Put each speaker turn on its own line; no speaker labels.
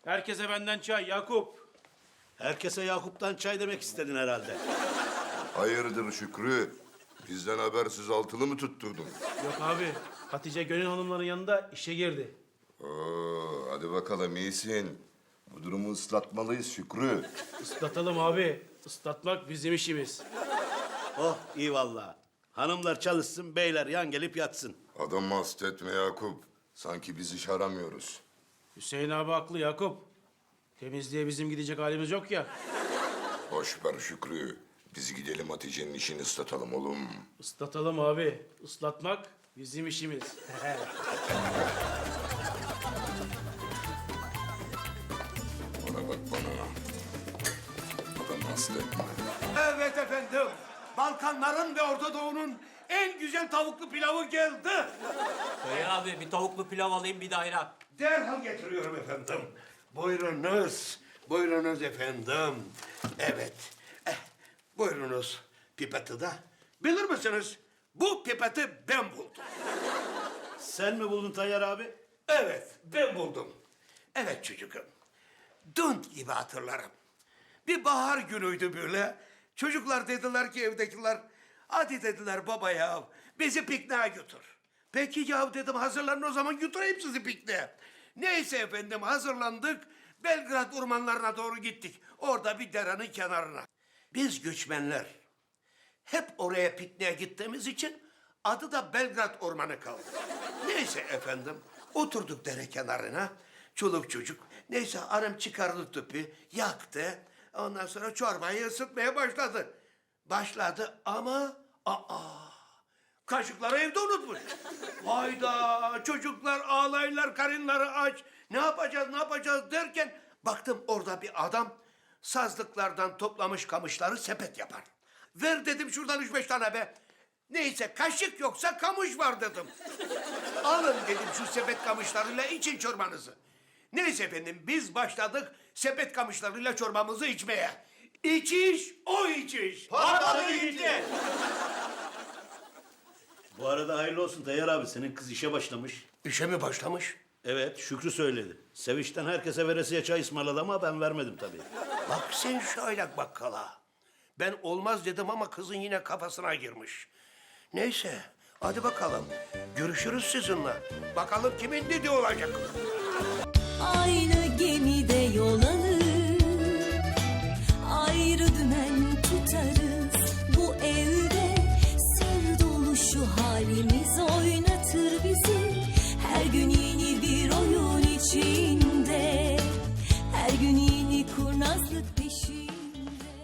Herkese benden çay Yakup.
Herkese Yakup'tan çay demek istedin herhalde.
Hayırdır Şükrü? Bizden habersiz altılı mı tutturdun?
Yok abi, Hatice Gönül hanımların yanında işe girdi.
Oo, hadi bakalım iyisin. Bu durumu ıslatmalıyız Şükrü.
Islatalım abi. Islatmak bizim işimiz.
Oh iyi vallahi. Hanımlar çalışsın, beyler yan gelip yatsın.
Adamı hasta etme Yakup. Sanki biz iş aramıyoruz.
Hüseyin abi haklı Yakup. Temizliğe bizim gidecek halimiz yok ya.
Boş ver Şükrü. Biz gidelim Hatice'nin işini ıslatalım oğlum.
Islatalım abi. Islatmak bizim işimiz.
Bana bak bana. Adamı hasta etme.
Evet efendim. Balkanların ve Orta Doğu'nun en güzel tavuklu pilavı geldi.
Bey abi bir tavuklu pilav alayım bir de ayran.
Derhal getiriyorum efendim. Buyurunuz. Buyurunuz efendim. Evet. Buyurunuz pipeti de. Bilir misiniz? Bu pipeti ben buldum.
Sen mi buldun Tayyar abi?
Evet, ben buldum. Evet çocuğum. Dün gibi hatırlarım. Bir bahar günüydü böyle. Çocuklar dediler ki evdekiler, hadi dediler baba ya, bizi pikniğe götür. Peki ya dedim, hazırlanın o zaman götüreyim sizi pikniğe. Neyse efendim hazırlandık, Belgrad ormanlarına doğru gittik. Orada bir derenin kenarına. Biz göçmenler hep oraya pikniğe gittiğimiz için adı da Belgrad Ormanı kaldı. Neyse efendim, oturduk dere kenarına, çoluk çocuk. Neyse annem çıkardı tüpü, yaktı. Ondan sonra çorbayı ısıtmaya başladı. Başladı ama kaşıkları evde unutmuş. Hayda, çocuklar ağlayırlar, karınları aç. Ne yapacağız derken baktım orada bir adam sazlıklardan toplamış kamışları sepet yapar. Ver dedim şuradan 3-5 tane be. Neyse kaşık yoksa kamış var dedim. Alın dedim şu sepet kamışlarıyla için çorbanızı. Neyse efendim biz başladık sepet kamışlarıyla çorbamızı içmeye. İçiş o içiş.
Patladı gitti.
Bu arada hayırlı olsun Tayyar abi. Senin kız işe başlamış.
İşe mi başlamış?
Evet, Şükrü söyledi. Sevinçten herkese veresiye çay ısmarladı ama ben vermedim tabii.
Bak sen şöyle bakkala. Ben olmaz dedim ama kızın yine kafasına girmiş. Neyse hadi bakalım. Görüşürüz sizinle. Bakalım kimin dediği olacak.
Aynı gemide yol alır, ayrı dümen tutarız. Bu evde sır dolu şu halimiz oynatır bizi. Her gün yeni bir oyun içinde, her gün yeni kurnazlık.